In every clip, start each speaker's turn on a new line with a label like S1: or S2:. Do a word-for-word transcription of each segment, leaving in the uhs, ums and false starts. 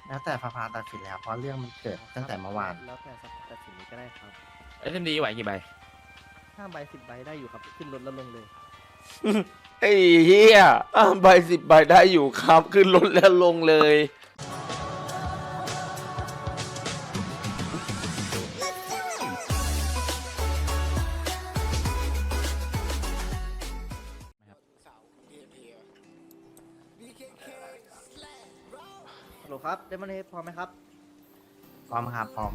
S1: แล้วแต่สภาตัดสินแล้วเพราะเรื่องมันเกิดตั้งแต่เมื่อวาน
S2: แล้วแต่ตัดสินนี้ก็ได้ครับ
S3: เอสเอ็มดีไหวกี่ใบ
S2: ห้าใบสิบใบได้อยู่ครับขึ้นรถแล้วลงเลย
S4: ไอ้เหี้ยอ่ะใบสิบใบได้อยู่ครับขึ้นรถแล้วลงเลย
S2: ฮัลโหลครับเดมอนเฮดพร้อมไหมครับ
S1: พร้อมครับพร้อม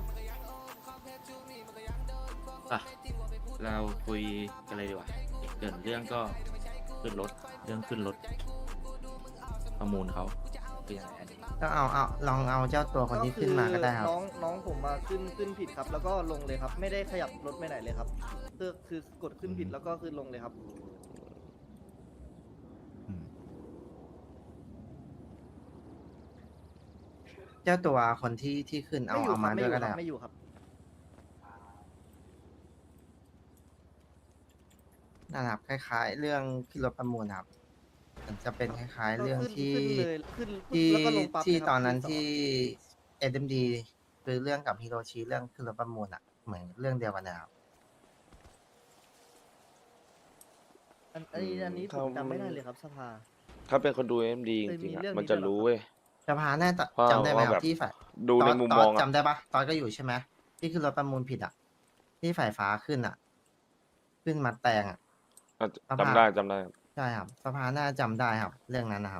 S3: อ่ะ เราคุยกันเลยดีกว่าเกิดเรื่องก็ขึ้นรถ เรื่องขึ้นรถ ประมูลเขาคือยังไงอันนี้
S1: ก็เอาเอาลองเอาเจ้าตัวคนที่ขึ้นมาก็ได้ครับ
S2: น้องน้องผมมาขึ้นขึ้นผิดครับ แล้วก็ลงเลยครับ ไม่ได้ขยับรถไปไหนเลยครับคือคือกดขึ้นผิดแล้วก็ขึ้นลงเลยครับ
S1: เจ้าตัวคนที่ที่ขึ้นเอา
S2: ไม่อยู่
S1: เอา
S2: ค
S1: มา
S2: รับไม่
S1: ด้
S2: อ
S1: วย
S2: ยู่
S1: ก็
S2: ค
S1: ได้
S2: รับ
S1: ครับ
S2: ไม่อยู่ครับ
S1: นะครับคล้ายๆ เรื่องขึ้นรถประมูลครับมันจะเป็นคล้าย ๆ เรื่อง
S2: ก็ขึ้น
S1: ที่
S2: ขึ้นเลยขึ้น
S1: ที่
S2: แล้วก็ลงปั๊บ
S1: ที่
S2: เลยครับ
S1: ตอนนั้น
S2: ขึ้นสอง
S1: ที่เอ็มดีคือเรื่องกับฮิโรชิเรื่องขึ้นรถประมูลอ่ะเหมือนเรื่องเดียวกันนะครับ
S2: อันอันนี้อันนี้ผมจำไม่ได้เลยครับสภา
S4: ถ้าเป็นคนดูเอ็มดีจ
S2: เคยมี
S4: ริงๆอ่ะ
S2: เรื่อง
S4: มัน
S2: นี้
S4: จะ
S2: ด้วยเหรอ
S4: รู้เว้ย
S1: สภาแน่าจะ
S4: ว่า
S1: จำได้ไหมค
S4: ว่า
S1: รั
S4: แบบ บ
S1: ที่ฝ่าย
S4: ดูใน
S1: ตอ
S4: มุม
S1: ต
S4: มอง
S1: จำได้ปะตอนก็อยู่ใช่ไหมที่ขึ้นรถประมูลผิดอ่ะ ที่ฝ่ายฟ้าขึ้นอ่ะ ขึ้นมาแตงอ่ะ
S4: อ่ะ
S1: สภา
S4: จำได้จำได้
S1: ใช่ครับสภาน่าจำได้ครับ เรื่องนั้นนะครับ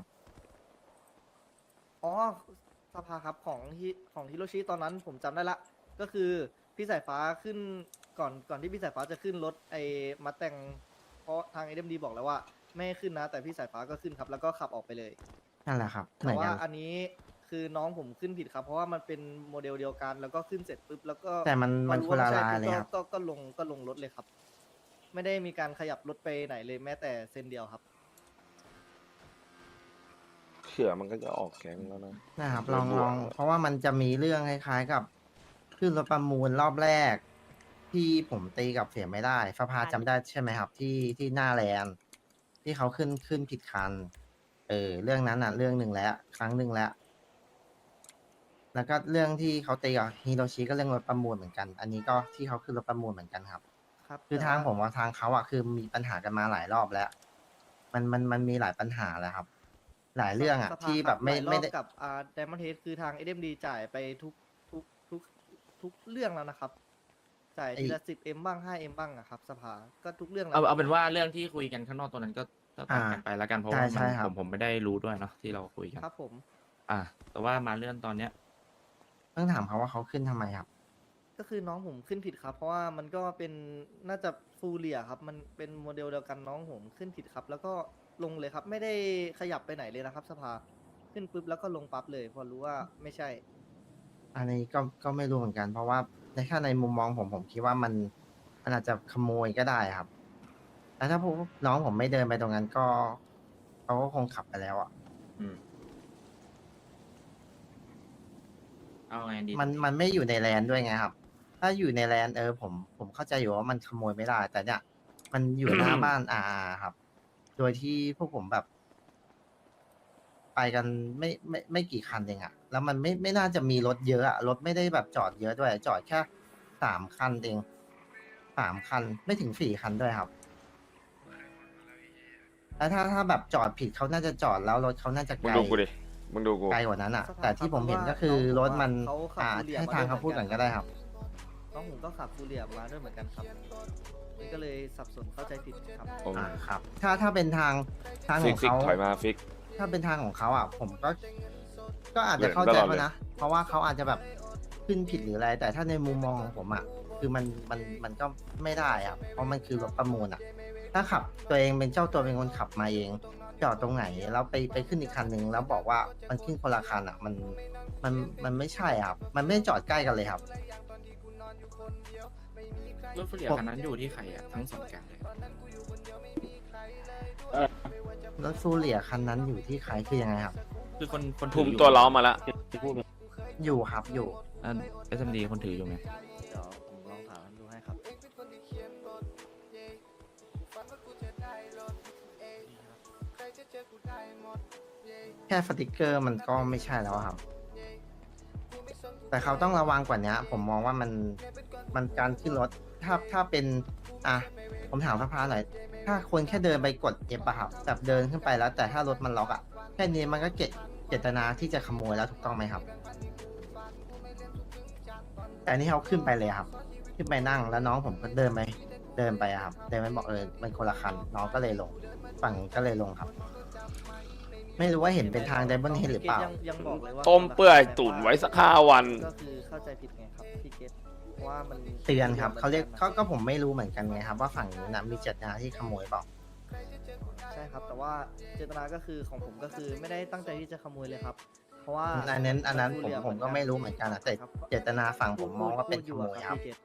S2: อ๋อสภาครับของฮิของฮิโรชิตอนนั้นผมจำได้ละ ก็คือพี่สายฟ้าขึ้นก่อนก่อนที่พี่สายฟ้าจะขึ้นรถไอ้มาแต่งเพราะทางเอ็มดีบอกแล้วว่าไม่ให้ขึ้นนะ แต่พี่สายฟ้าก็ขึ้นครับ แล้วก็ขับออกไปเลย
S1: นั่นแหละครับเหมื
S2: แต่
S1: อน
S2: ว่า
S1: กัน
S2: อันนี้คือน้องผมขึ้นผิดครับ เพราะว่ามันเป็นโมเดลเดียวกัน แล้วก็ขึ้นเสร็จปุ๊บแล้วก็
S1: แต่มัน
S2: พอ
S1: มัน
S2: รู้
S1: คนละ
S2: ว่
S1: ลาย
S2: ไม่
S1: เลย
S2: ใช่
S1: ครับ
S2: ก็ก็ก็ลงก็ลงรถเลยครับ ไม่ได้มีการขยับรถไปไหนเลยแม้แต่เส้นเดียวครับ
S4: เขื่อมันก็จะออกแก๊งแล้วนะ
S1: นะครับ
S4: โด
S1: ล
S4: ย
S1: อง
S4: บวก
S1: ลองเพราะว่ามันจะมีเรื่องคล้ายๆกับขึ้นรถประมูลรอบแรก ที่ผมตีกับเสียไม่ได้สภาจำได้ใช่ไหมครับ ที่ที่หน้าแลนด์ที่เขาขึ้นขึ้นผิดคัน เออ เรื่องนั้นอ่ะ เรื่องหนึ่งแล้ว ครั้งหนึ่งแล้ว แล้วก็เรื่องที่เขาตีกับฮิโรชิก็เรื่องรถประมูลเหมือนกัน อันนี้ก็ที่เขาขึ้นรถประมูลเหมือนกันครับ
S2: ครับ
S1: คือ
S2: แต่
S1: ทาง
S2: ว่า
S1: ผมว่าทางเขาอ่ะคือมีปัญหากันมาหลายรอบแล้ว มันมันมันมีหลายปัญหาแล้วครับ หลายเรื่องอ่ะ
S2: สภา
S1: ที่
S2: ค
S1: แบบไม่
S2: หลายรอบ
S1: ไม่ได้
S2: กับอ่าไดมอนด์เฮดคือทางเอ็มดีจ่ายไปทุกทุกทุกทุกเรื่องแล้วนะครับ จ่ายทีละสิบเอ็มบ้างห้าเอ็มบ้างอะครับ สภาก็ทุกเรื่องแล้ว
S3: เอาเอาเป็นว่าเรื่องที่คุยกันข้างนอกตัวนั้นก็ก็ตัดกันไปแล้วกันเพราะว่า
S1: ใช่
S3: มัน
S1: ใช่ครับ
S3: ผมผมไม่ได้รู้ด้วยเนาะที่เราคุยกัน
S2: ครับผม
S3: อ่ะแต่ว่ามาเรื่องตอนเนี้ย
S1: ต้องถามเขาว่าเขาขึ้นทำไมครับ
S2: ก็คือน้องผมขึ้นผิดครับ เพราะว่ามันก็เป็นน่าจะฟูเรียครับ มันเป็นโมเดลเดียวกันน้องผมขึ้นผิดครับ แล้วก็ลงเลยครับ ไม่ได้ขยับไปไหนเลยนะครับ สภาขึ้นปุ๊บแล้วก็ลงปั๊บเลย พอรู้ว่าไม่ใช่
S1: อันนี้ก็ก็ไม่รู้เหมือนกัน เพราะว่าในแค่ในมุมมองผมผมคิดว่ามันมันอาจจะขโมยก็ได้ครับ แต่ถ้าพวกน้องผมไม่เดินไปตรงนั้นก็เขาก็คงขับไปแล้วอ่ะ
S3: อืมเอาไงดี
S1: มันมันไม่อยู่ในแลนด์ด้วยไงครับ ถ้าอยู่ในแลนด์เออผมผมเข้าใจอยู่ว่ามันขโมยไม่ได้ แต่เนี่ยมันอยู่หน้า บ้านอาครับ โดยที่พวกผมแบบ ไปกันไม่ไม่ไม่กี่คันเองอะแล้วมันไม่ไม่น่าจะมีรถเยอะอะรถไม่ได้แบบจอดเยอะด้วย จอดแค่สามคันเองสามคันไม่ถึงสี่คันด้วยครับ แล้วถ้าถ้าแบบจอดผิดเขาน่าจะจอดแล้วรถเขาน่าจะ
S4: มึ
S1: ไก
S4: ง
S1: ล
S4: ดูกูดิมึงดูกู
S1: ไกลกว่านั้นอะ
S2: สภาพ
S1: แต่ที่ผมเห็นก็คือรถมันอ่าให้ทางเขาพูดก่อนก็ได้ครับ
S2: น้องผมก็ขับฟูเรียมาด้วยเหมือนกันครับมันก็เลยสับสนเข้าใจผิดครับ
S4: ผม
S1: อ่าครับ ถ้าถ้าเป็นทางทางข
S4: ฟิ
S1: อก ง
S4: ฟิก
S1: เขา
S4: ถอยมาฟิก
S1: ถ้าเป็นทางของเขาอ่ะ ผมก็ ก็อาจจะเข้าใจ
S4: ตลอด
S1: เขา
S4: เลย
S1: นะ เพราะว่าเขาอาจจะแบบขึ้นผิดหรืออะไร แต่ถ้าในมุมมองของผมอ่ะ คือมันมันมันก็ไม่ได้อ่ะ เพราะมันคือรถประมูลอ่ะ ถ้าขับตัวเองเป็นเจ้าตัวเป็นคนขับมาเอง จอดตรงไหนแล้วไปไปขึ้นอีกคันหนึ่งแล้วบอกว่ามันขึ้นคนละคันอ่ะ มันมันมันไม่ใช่อ่ะครับ มันไม่ได้จอดใกล้กันเลยครับ
S3: รถเฟรียคันนั้นอยู่ที่ใครอ่ะทั้งสองแก๊งเลย
S1: รถฟูเรียคันนั้นอยู่ที่ใครคือยังไงครับ
S3: คือคนคนถื
S4: ทุ่
S3: อ
S4: ม
S3: อยู่
S4: ตัวล้อมาละ
S1: อยู่ครับอยู่
S3: เอสเอ็มดีคนถืออยู่ไหม
S2: เดี๋ยวผมลองถามดูให้ครับ
S1: แค่สติกเกอร์มันก็ไม่ใช่แล้วครับแต่เขาต้องระวังกว่านี้ผมมองว่ามันมันการขึ้นรถถ้าถ้าเป็นอ่ะผมถามสภาหน่อยถ้าคนแค่เดินไปกดเอฟอะครับแบบเดินขึ้นไปแล้ว แต่ถ้ารถมันล็อกอะแค่นี้มันก็เจตเจตนาที่จะขโมยแล้วถูกต้องไหมครับ แต่อันนี่เขาขึ้นไปเลยครับ ขึ้นไปนั่งแล้วน้องผมก็เดินไปเดินไปอะครับเดินไปบอกเออมันคนละคันน้องก็เลยลงฝั่งก็เลยลงครับ ไม่รู้ว่าเห็นเป็นทางไดมอนด์เฮดหรือเปล่า
S2: ยังยังบอกเลยว่า
S4: ต้มเปื่อยตุ๋นไว้สักห้าวัน
S2: ก็คือเข้าใจผิดไงครับพี่เกตเพราะว่ามัน
S1: เตือนครับเขาเรียกเขาก็ผมไม่รู้เหมือนกันไงครับว่าฝั่งนี้นะมีเจตนาที่ขโมยเปล่า
S2: ใช่ครับ แต่ว่าเจตนาก็คือของผมก็คือไม่ได้ตั้งใจที่จะขโมยเลยครับ เพราะว่า
S1: อันนั้นอันนั้นผม
S2: พูดเรีย
S1: ผมก็ไม่รู้เหมือนกันนะแต่
S2: ครับ
S1: เจตนาฝั่งผมมองว่าเป็น
S2: พูด
S1: ขโมยครับ
S2: พี่เกต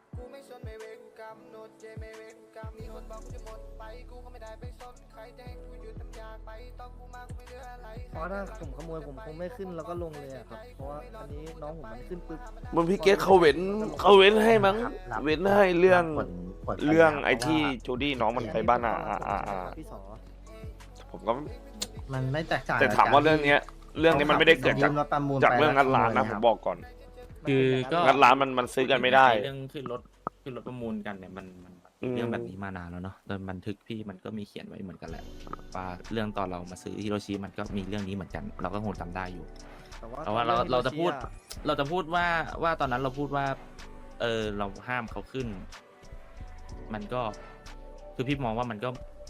S2: เพราะถ้าผมขโมยผมคงไม่ขึ้นแล้วก็ลงเลยอะครับ เพราะว่าอันนี้น้องผมมันขึ้นปุ๊บ
S4: มึงพี่เกตเขาเว้นเขาเว้นให้มั้ง
S1: รับ
S4: เว้นให้เรื่อง
S1: ผลผล
S4: เรื่อง
S1: ปัญหา
S4: ไอ้ที่
S1: เพราะว่า
S4: จูดี้น้องมันไปบ้านอ่ะอ่าอ่าอ่า
S2: พี่สอ
S4: ผมก็
S1: มันไม่แตกต่าง
S4: แต่ถามว่าเรื่องเนี้ย เรื่องนี้มันไม่ได้เกิดจาก
S1: ยืมรถประมูล
S4: จาก
S1: ไป
S4: เรื่องงัดร้านนะ
S1: ขโย
S4: ผม
S1: ครับ
S4: บอกก่อน
S3: คือก็
S4: งัดร้านมันมันซื้อกันไม่ได้
S3: เรื่องขึ้นรถขึ้นรถประมูลกันเนี่ยมันมัน
S4: อืม
S3: เรื่องแบบนี้มานานแล้วเนาะโดยบันทึกพี่มันก็มีเขียนไว้เหมือนกันแหละว่าเรื่องตอนเรามาซื้อฮิโรชิมันก็มีเรื่องนี้เหมือนกัน เราก็คงจำได้อยู่ แต่ว่าเราเราจะพูดเราจะพูดว่าว่าตอนนั้นเราพูดว่า เออเราห้ามเขาขึ้น มันก็คือพี่มองว่ามันก็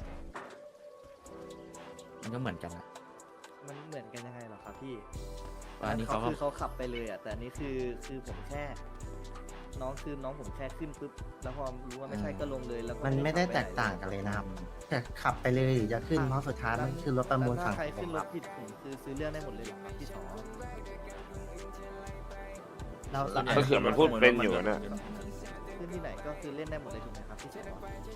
S3: มันก็เหมือนกันอะ
S2: มันเหมือนกันยังไงเหรอครับพี่
S3: ว่าอันนี้เขาก็
S2: คือเขาขับไปเลยอ่ะ แต่อันนี้คือคือผมแค่ น้องคือน้องผมแค่ขึ้นปุ๊บแล้วพอรู้ว่าไม่ใช่ก็ลงเลยแล้วก็
S1: มันไม่ได้
S2: ขับป
S1: แต
S2: หน
S1: กต่างกันเลยนะครับแต่ขับไปเลยหรือจะขึ้นเพราะสุดท้ายมันคือรถประมูล
S2: แล้ว
S1: ฝั่
S2: ถ้าง ใคร
S1: ผ
S2: ขึ้
S1: ม
S2: น
S1: ค
S2: ร
S1: รั
S2: ถ
S1: บ
S2: ผิดผมคือซื้อเรื่องได้หมดเลยเหรอครับพี่สอ
S1: แล้ว
S3: ส่วนใหญ่
S4: ก็คือมันพูดเป็นอยู่นะ
S2: ขึ้นที่ไหนก็คือเล่นได้หมดเลยถูกไหมครับพี่สอ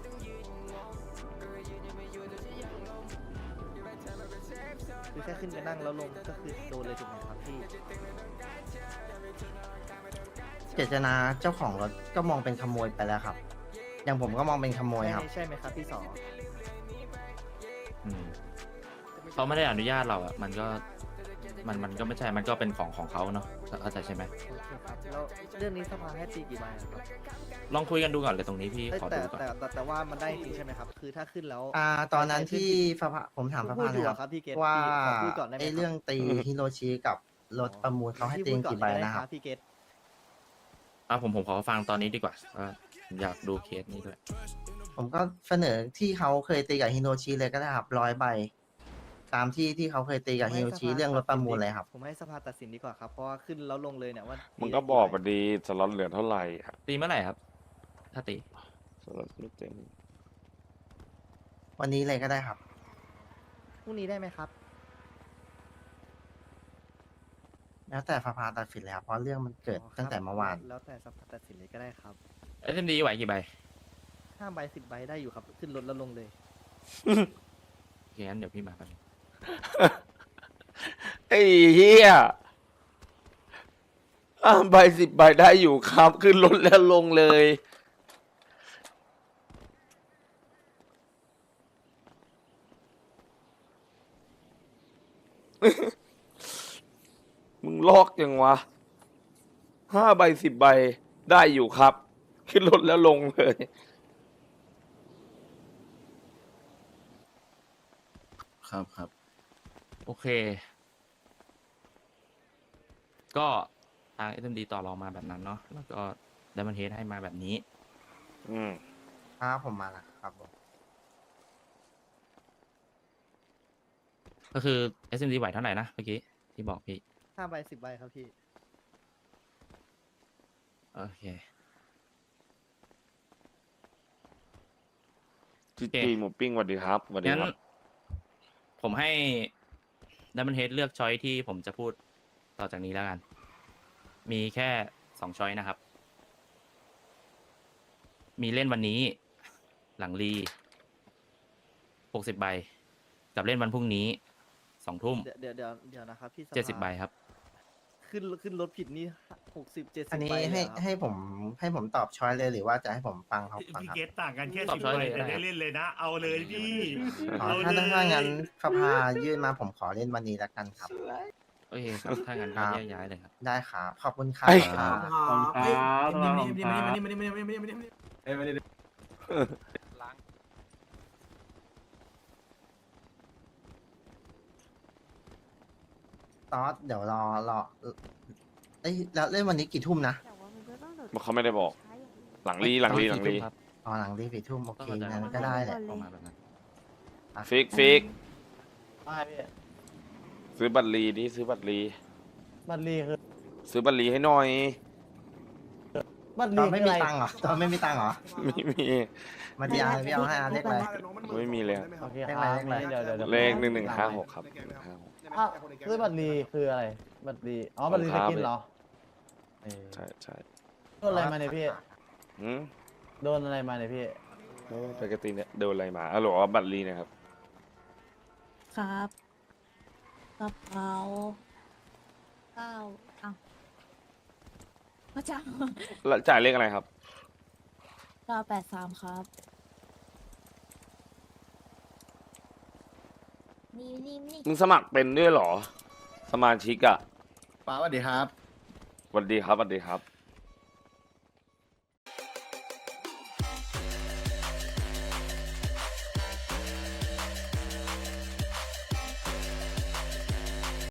S2: คือแค่ขึ้นไปนั่งแล้วลงก็คือโดนเลยถูกไหมครับพี่
S1: เจตนาเจ้าของรถก็มองเป็นขโมยไปแล้วครับ อย่างผมก็มองเป็นขโมยครับ
S2: ใช่ไหมครับพี่สอ
S3: อืมเขาไม่ได้อนุญาตเราอะมันก็มันมันก็ไม่ใช่มันก็เป็นของของเขาเนาะเข้าใจใช่ไหม
S2: โอเคครับแล้วเรื่องนี้สภาให้ตีกี่ใบอะครับ
S3: ลองคุยกันดูก่อนเลยตรงนี้พี่
S2: เอ้ย
S3: ขอ
S2: แต่
S3: ดูก่อน
S2: แต่แต่แต่ว่ามันได้จริงใช่ไหมครับ คือถ้าขึ้นแล้ว
S1: อ่าตอนนั้นที่สภาผมถามส
S2: พู
S1: ภา
S2: ดอ
S1: เลย
S2: ยู่
S1: ค
S2: อะ
S1: รับ
S2: ครับพี่เกต
S1: ว่า
S2: พี่ขอพูดก่อนได้ไหม
S1: ไอ้
S2: ครับ
S1: เรื่องตีฮิโรชิกับรถประมูลเขาให้ตี
S2: พี่พูดก่อ
S1: กี่ใบ
S2: ก็ได้
S1: นะครับ
S2: พี่เกต
S3: อ่ะผมผมขอฟังตอนนี้ดีกว่าว่าผมอยากดูเคสนี้ด้วย
S1: ผมก็เสนอที่เขาเคยตีกับฮิโรชิเลยก็ได้ครับร้อยใบ ตามที่ที่เขาเคยตีกับฮิโรชิเรื่องรถประมูลเลยครับ
S2: ผมให้สภาตัดสินดีกว่าครับ เพราะว่าขึ้นแล้วลงเลยเนี่ยว่า
S4: มึ
S2: มึ
S4: งก็บอกมาดีสล็อตเหลือเท่าไหร่อะ
S3: ตีเมื่อไหร่ครับ ถ้าตี
S4: สล็อตไม่เต็ม
S1: วันนี้เลยก็ได้ครับ
S2: พรุ่งนี้ได้ไหมครับ
S1: แล้วแต่สภาตัดสินเลยครับเพราะเรื่องมันเกิด
S2: อ๋อครับ
S1: ตั้งแต่เมื่อวาน
S2: แล้วแต่สภาตัดสินเลยก็ได้ครับ
S3: เอสเอ็มดีไหวกี่ใบ
S2: ห้าใบสิบใบได้อยู่ครับ ขึ้นรถแล้วลงเลย
S3: โอเคงั้นเดี๋ยวพี่มากันง
S4: ไอ้เหี้ยอ่าใบสิบใบได้อยู่ครับ ขึ้นรถแล้วลงเลย มึงลอกยังวะห้าใบสิบใบได้อยู่ครับ ขึ้นรถแล้วลงเลย
S3: ครับครับ โอเค ก็ทาง เอส เอ็ม ดี ต่อรองมาแบบนั้นเนาะแล้วก็ไดมอนเฮดให้มาแบบนี้
S4: อืม
S1: ครับผมมาแล้วครับผม
S3: ก็คือ เอส เอ็ม ดี ไหวเท่าไหร่นะเมื่อกี้ที่บอกพี่
S2: ห้าใบสิบใบครับพี่
S3: โอเค
S4: จีจีหมูปิ้งสวัสดีครับสวัสดี
S3: งั้น
S4: ครับ
S3: ผมให้ดัมเบิลเฮดเลือกช้อยที่ผมจะพูดต่อจากนี้แล้วกัน มีแค่สองช้อยนะครับ มีเล่นวันนี้ หลังรีหกสิบใบ กับเล่นวันพรุ่งนี้สองทุ่ม
S2: เดี๋ยวเดี๋ยวเดี๋ยวเดี๋ยวนะครับพี่สภา
S3: เจ็ดสิบใบครับ
S2: ขึ้นขึ้นรถผิดนี่หกสิบเจ็ดสิบ
S1: อันนี้
S2: ใบเลย
S1: ให้
S2: เหรอครับ
S1: ให้ผมให้ผมตอบช้อยเลยหรือว่าจะให้ผมฟังเขาก่อน
S5: พี่
S1: ครับ
S5: เกตต่างกันแค่
S3: ตอบ
S5: สิบ
S3: ช้อย
S5: ใบ
S3: เลยก็
S5: แต่
S3: ได้
S5: ได้เล่นเลยนะ เอาเลยพี่
S1: อ๋อ
S5: เอา
S1: ถ้า
S5: เลย
S1: ถ้างั้นสภายื่นมาผมขอเล่นวันนี้แล้วกันครับ
S3: โอโอเคครับถ้างั้นก็แยกย้ายเลยครับ
S1: ได้ครับขอบคุณครับ
S4: ไอ้
S1: ครับ
S5: เฮ้ยมานี่มานี่มานี่มานี่มานี่มานี่มานี่มานี่
S1: ตอสเดี๋ยวรอรอเอ้ยแล้วเล่นวันนี้กี่ทุ่มนะ
S4: เขาไม่ได้บอก หลังลีหลังลีหลังลี
S1: อ๋อหลังรีสี่ทุ่มโอเค
S3: ก็เข้าใจ
S1: งั้นก็ได้แหละ
S3: ประมาณแบบนั้น
S4: ฟิกฟิก
S6: ไม่พี่
S4: ซื้อบัตรลีนี่ซื้อบัตรลี
S6: บัตรลีคือ
S4: ซื้อบัตรลีให้หน่อย
S6: บัตร
S1: ต
S6: ลี
S1: อนไม่
S6: คือ
S1: มี
S6: อะไร
S1: ตังค์เหรอตอนไม่มีตังค์เหรอ
S4: ไม่มี
S1: มาที่อาร์พี่เอาให้อาร์เล็กเลย
S4: ไม่มีเลยอะ
S6: โอเค
S1: เล
S6: ค
S1: ข
S6: รั
S1: อะไร
S6: บเดี๋ยวเดี๋ยวเดี๋ยว
S4: เลขหนึ่งหนึ่งห้าหกครับห้าหก
S6: อ้าวซื้อบัตรลีคืออะไร บัตรลีอ๋อ บัตรลี
S4: ครั
S6: จะ
S4: บ
S6: กินเหรอเออ
S4: ใช่ใช่
S6: โดนอะไรมาเนี่ยพี่
S4: หืม
S6: โดนอะไรมาเนี่ยพี่
S4: โอ้ปกติเนี่ยโดนอะไรมาอ๋อเหรอบัตรลีนะครับ
S7: ครับกระเป๋าเก้าอ้าวพระเจ้า
S4: แล้วจ่ายเลขอะไรครับ
S7: เก้าแปดสามครับ นี่นี่นี่
S4: มึงสมัครเป็นด้วยเหรอ สมาชิกอะ
S5: ป้าสวัสดีครับ
S4: สวัสดีครับสวัสดีครับ